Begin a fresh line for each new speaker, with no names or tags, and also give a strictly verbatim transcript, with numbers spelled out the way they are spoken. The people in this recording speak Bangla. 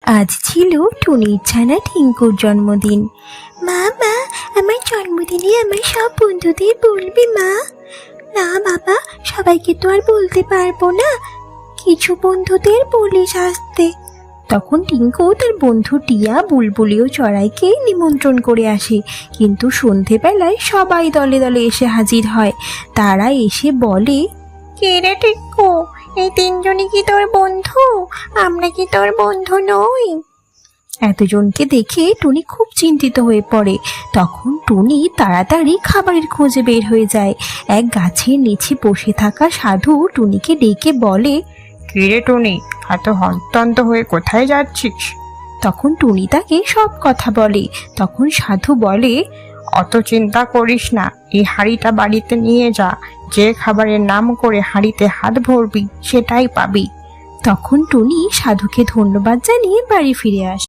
আজ ছিল টুনির ছানা টিঙ্কুর জন্মদিন। মা মা আমার জন্মদিনে আমার সব বন্ধুদের বলবি মা। না বাবা, সবাইকে তো আর বলতে পারবো না, কিছু বন্ধুদের বলিস আসতে। তখন টিঙ্কু তার বন্ধু টিয়া, বুলবুলি ও চড়াইকে নিমন্ত্রণ করে আসে, কিন্তু সন্ধেবেলায় সবাই দলে দলে এসে হাজির হয়। তারা এসে বলে,
কে রে টিক্কু, এই তিনজনই কি তোর বন্ধু? আমরা কি তোর বন্ধু নই?
এতজনকে দেখে টুনি খুব চিন্তিত হয়ে পড়ে। তখন টুনি তাড়াতাড়ি খাবারের খোঁজে বের হয়ে যায়। এক গাছের নিচে বসে থাকা সাধু টুনিকে ডেকে বলে,
কি রে টুনি, এত হন্তন্ত হয়ে কোথায় যাচ্ছিস?
তখন টুনি তাকে সব কথা বলে। তখন সাধু বলে,
অত চিন্তা করিস না, এই হাঁড়িটা বাড়িতে নিয়ে যা, যে খাবারের নাম করে হাঁড়িতে হাত ভরবি সেটাই পাবি।
তখন টুনি সাধুকে ধন্যবাদ জানিয়ে বাড়ি ফিরে আসে।